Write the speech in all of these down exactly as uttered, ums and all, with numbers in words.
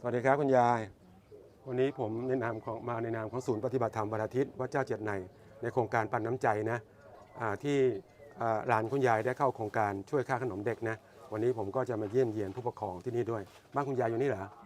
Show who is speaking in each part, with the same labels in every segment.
Speaker 1: วัสดีครับคุณยายวันนี้ผมในนามของมาในนามของศูนย์ปฏิบัติธรรมวันอาทิตย์วัดเจ้าเจ็ดในในโครงการปันน้ำใจนะที่หลานคุณยายได้เข้าโครงการช่วยค่าขนมเด็กนะวันนี้ผมก็จะมาเยี่ยมเยียนผู้ปกครองที่นี่ด้วยบ้านคุณยายอยู่นี่เหรอ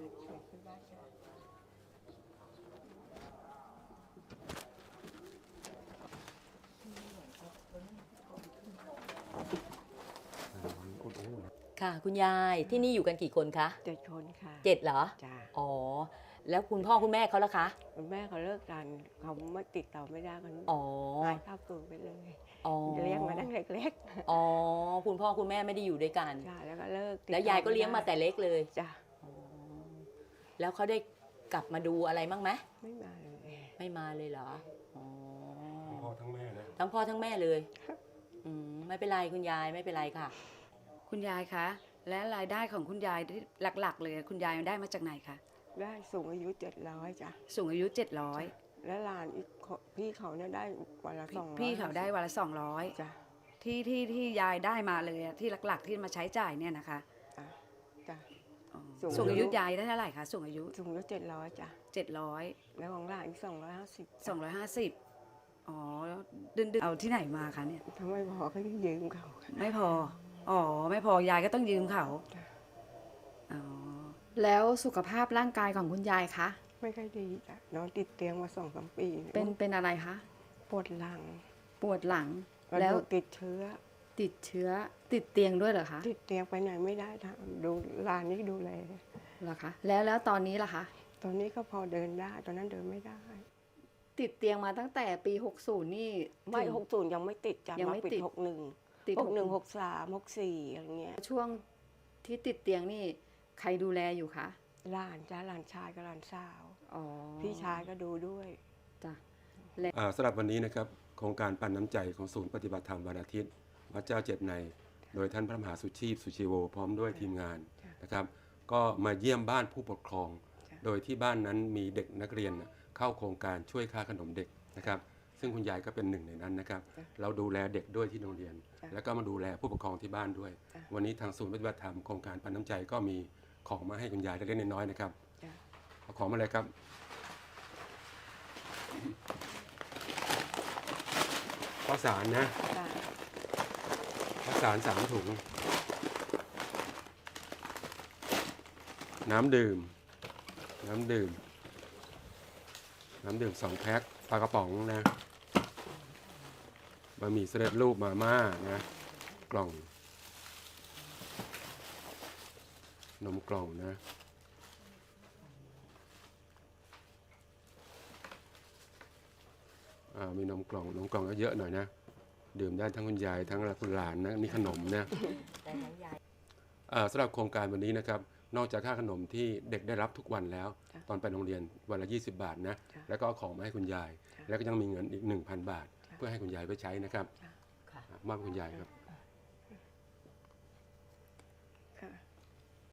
Speaker 2: ค่ะคุณยายที่นี่อยู่กันกี่คนคะ
Speaker 3: เจ็ดคนค่ะ
Speaker 2: เจ็ดเหรอ
Speaker 3: จ้า
Speaker 2: อ๋อแล้วคุณพ่อคุณแม่เขาล่ะคะ
Speaker 3: คุณแม่เขาเลิกกันเขาไม่ติดต่อไม่ได้กัน
Speaker 2: อ๋อ
Speaker 3: หายเข้าตัวไปเลย
Speaker 2: อ๋อ
Speaker 3: เลี้ยงมาตั้งเล็ก
Speaker 2: ๆอ๋อคุณพ่อคุณแม่ไม่ได้อยู่ด้วยกัน
Speaker 3: จ้าแล้วก็เลิก
Speaker 2: แล้วยายก็เลี้ยงมาแต่เล็กเลย
Speaker 3: จ้า
Speaker 2: แล้วเขาได้กลับมาดูอะไรบ้างไหม
Speaker 3: ไม่มาเลย
Speaker 2: ไม่มาเลยเหรออ๋อ
Speaker 1: ทั้งพ่อทั้งแม่นะ
Speaker 2: ทั้งพ่อทั้งแม่เลยอืมไม่เป็นไรคุณยายไม่เป็นไรค่ะ
Speaker 4: คุณยายคะและรายได้ของคุณยายที่หลักๆเลยคุณยายได้มาจากไหนคะ
Speaker 3: ได้สูงอายุเจ็ดร้อยจ้ะ
Speaker 4: สูงอายุเจ็ดร้อย
Speaker 3: และหลานอีกพี่เขาเนี่ยได้วันละสองร้อย
Speaker 4: พี่เขาได้วันละสองร้อย
Speaker 3: จ้ะ
Speaker 4: ที่ที่ที่ยายได้มาเลยที่หลักๆที่มาใช้จ่ายเนี่ยนะคะ
Speaker 3: จ้ะจ้ะ
Speaker 4: สูงอายุยายได้เท่าไหร่คะสูงอายุ
Speaker 3: สูงอายุเจ็ดร้อยจ้ะ
Speaker 4: เจ็ดร้อย
Speaker 3: แล้วของหลานอีกสองร้อยห้าสิบ
Speaker 4: สองร้อยห้าสิบอ๋อดึงดึงเอาที่ไหนมาคะเนี่ย
Speaker 3: ทำไมพอก็ยืมเขา
Speaker 4: ไม่พออ๋อไม่พอยายก็ต้องยืมเขาอ๋อ
Speaker 5: แล้วสุขภาพร่างกายของคุณยายคะ
Speaker 3: ไม่ค่อยดีจ้ะนอนติดเตียงมาสองสามปี
Speaker 5: เป็นเป็นอะไรคะ
Speaker 3: ปวดหลัง
Speaker 5: ปวดหลัง
Speaker 3: แล้วติดเชื้อ
Speaker 5: ติดเชื้อติดเตียงด้วยเหรอคะ
Speaker 3: ติดเตียงไปไหนไม่ได้ทำดูหลานนี่ดูแล
Speaker 5: เหรอคะแล้วแล้วตอนนี้ล่ะคะ
Speaker 3: ตอนนี้ก็พอเดินได้ตอนนั้นเดินไม่ได้
Speaker 5: ติดเตียงมาตั้งแต่ปีหกสิบนี่
Speaker 3: ไม่หกสิบยังไม่ติดจ้ะมาปิดหกสิบเอ็ด
Speaker 5: ติด
Speaker 3: หกสิบเอ็ด หกสิบสาม หกสิบสี่อะไรเงี้ย
Speaker 5: ช่วงที่ติดเตียงนี่ใครดูแลอยู่คะ
Speaker 3: หลานจ้าหลานชายกับหลานสาว
Speaker 5: อ๋อ
Speaker 3: พี่ชายก็ดูด้วย
Speaker 5: จ้ะ
Speaker 1: สำหรับวันนี้นะครับโครงการปันน้ำใจของศูนย์ปฏิบัติธรรมวันอาทิตย์วัดเจ้าเจ็ดในโดยท่านพระมหาสุชีพสุชีโวพร้อมด้วยทีมงานนะครับก็มาเยี่ยมบ้านผู้ปกครองโดยที่บ้านนั้นมีเด็กนักเรียนเข้าโครงการช่วยค่าขนมเด็กนะครับซึ่งคุณยายก็เป็นหนึ่งในนั้นนะครับเราดูแลเด็กด้วยที่โรงเรียนแล้วก็มาดูแลผู้ปกครองที่บ้านด้วยวันนี้ทางศูนย์ปฏิบัติธรรมโครงการปันน้ำใจก็มีของมาให้คุณยายเล็กๆน้อยๆนะครับเอาของมาเลยครับข้าวสารนะข้าวสารสามถุงน้ำดื่มน้ำดื่มน้ำดื่มสองแพ็คปลากระป๋องนะบะหมี่สำเร็จรูปมาม่านะกล่องนมกล่องนะมีนมกล่องนมกล่องก็เยอะหน่อยนะดื่มได้ทั้งคุณยายทั้งคุณหลานนะนี่ขนมนะสำหรับโครงการวันนี้นะครับนอกจากค่าขนมที่เด็กได้รับทุกวันแล้วตอนไปโรงเรียนวันละยี่สิบบาทนะแล้วก็เอาของมาให้คุณยายแล้วก็ยังมีเงินอีก หนึ่งพัน บาทเพื่อให้คุณยายไปใช้นะครับมอบคุณยายครับ